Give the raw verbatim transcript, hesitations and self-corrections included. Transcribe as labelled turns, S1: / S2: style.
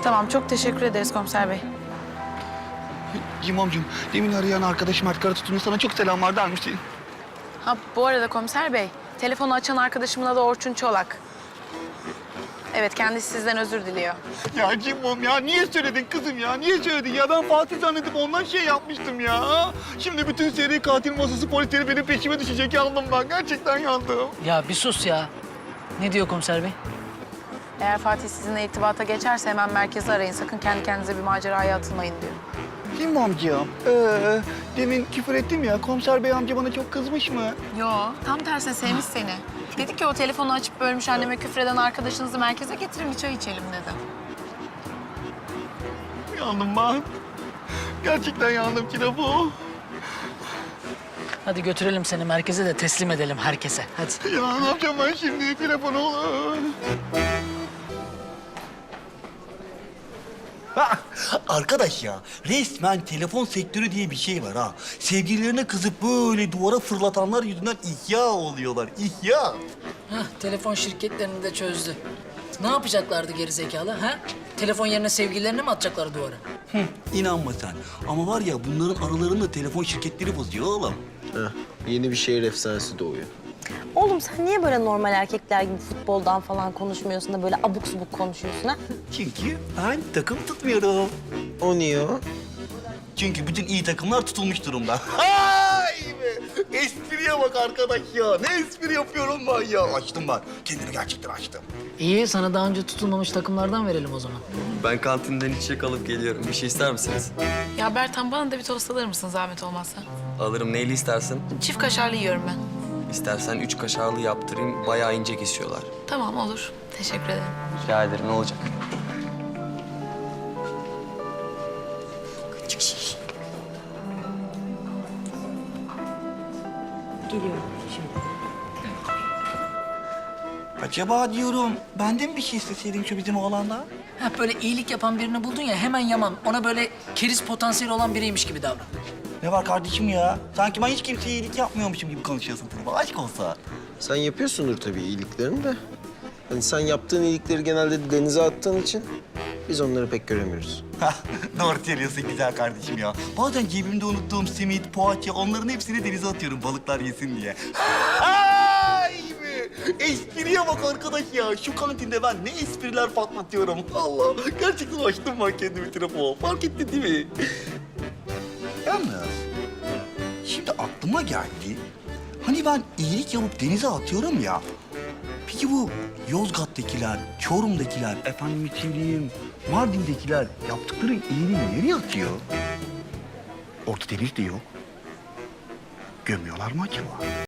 S1: Tamam, çok teşekkür ederiz komiser bey.
S2: Cimomcum, demin arayan arkadaşım Mert Karatutu'nun sana çok selamlar dermişti.
S1: Ha, bu arada komiser bey, telefonu açan arkadaşımın adı Orçun Çolak. Evet, kendisi sizden özür diliyor.
S2: Ya Cimom ya, niye söyledin kızım ya? Niye söyledin ya? Ben Fatih zannedip ondan şey yapmıştım ya. Şimdi bütün seri katil masası polisleri benim peşime düşecek, yandım ben. Gerçekten yandım.
S3: Ya bir sus ya. Ne diyor komiser bey?
S1: Eğer Fatih sizinle irtibata geçerse hemen merkezi arayın. Sakın kendi kendinize bir maceraya atılmayın diyor.
S2: Cimomcuğum, ee, demin küfür ettim ya, komiser bey amca bana çok kızmış mı?
S1: Yo, tam tersine sevmiş seni. Dedi ki o telefonu açıp bölmüş anneme küfreden arkadaşınızı merkeze getirin bir çay içelim dedi.
S2: Yandım ben. Gerçekten yandım Kirabu.
S3: Hadi götürelim seni merkeze de teslim edelim herkese. Hadi.
S2: Ya ne yapacağım ben şimdi? Telefonu olur. Ha, arkadaş ya, resmen telefon sektörü diye bir şey var ha. Sevgililerine kızıp böyle duvara fırlatanlar yüzünden ihya oluyorlar, ihya.
S3: Hah, telefon şirketlerini de çözdü. Ne yapacaklardı gerizekalı ha? Telefon yerine sevgililerini mi atacaklar duvara?
S2: Hı, inanma sen. Ama var ya, bunların aralarında telefon şirketleri bozuyor oğlum.
S4: Heh, yeni bir şehir efsanesi doğuyor.
S5: Oğlum sen niye böyle normal erkekler gibi futboldan falan konuşmuyorsun da böyle abuk subuk konuşuyorsun ha?
S2: Çünkü ben takım tutmuyorum.
S4: O niye o?
S2: Çünkü bütün iyi takımlar tutulmuş durumda. Hay be! Espriye bak arkadaş ya. Ne espri yapıyorum ben ya. Açtım ben. Kendimi gerçekten açtım.
S3: İyi, sana daha önce tutulmamış takımlardan verelim o zaman.
S6: Ben kantinden içecek alıp geliyorum. Bir şey ister misiniz?
S1: Ya Bertan, bana da bir tost alır mısın zahmet olmazsa?
S6: Alırım. Neyli istersin?
S1: Çift kaşarlı yiyorum ben.
S6: İstersen üç kaşarlı yaptırayım. Bayağı ince kesiyorlar.
S1: Tamam, olur. Teşekkür ederim.
S6: Rica ederim. Ne olacak?
S5: Geliyorum şimdi.
S2: Acaba diyorum, ben de mi bir şey isteseydim şu bizim oğlanla?
S3: Ha, böyle iyilik yapan birini buldun ya hemen yaman. Ona böyle keriz potansiyeli olan biriymiş gibi davran.
S2: Ne var kardeşim ya? Sanki ben hiç kimseye iyilik yapmıyormuşum gibi konuşuyorsun Tırba. Aşk olsa.
S4: Sen yapıyorsundur tabii iyiliklerini de. Hani sen yaptığın iyilikleri genelde denize attığın için biz onları pek göremiyoruz.
S2: Hah, doğru söylüyorsun güzel kardeşim ya. Bazen cebimde unuttuğum simit, poğaça, onların hepsini denize atıyorum balıklar yesin diye. Ay be! Espriye bak arkadaş ya. Şu kantinde ben ne espriler patlatıyorum. Allah, gerçekten açtım ben kendimi trafoğa. Fark ettin değil mi? Yalnız, şimdi aklıma geldi. Hani ben iyilik yapıp denize atıyorum ya. Peki bu Yozgat'takiler, Çorum'dakiler, efendim söyleyeyim, Mardin'dekiler yaptıkları iyiliği nereye atıyor? Orta deniz de yok. Gömüyorlar mı acaba?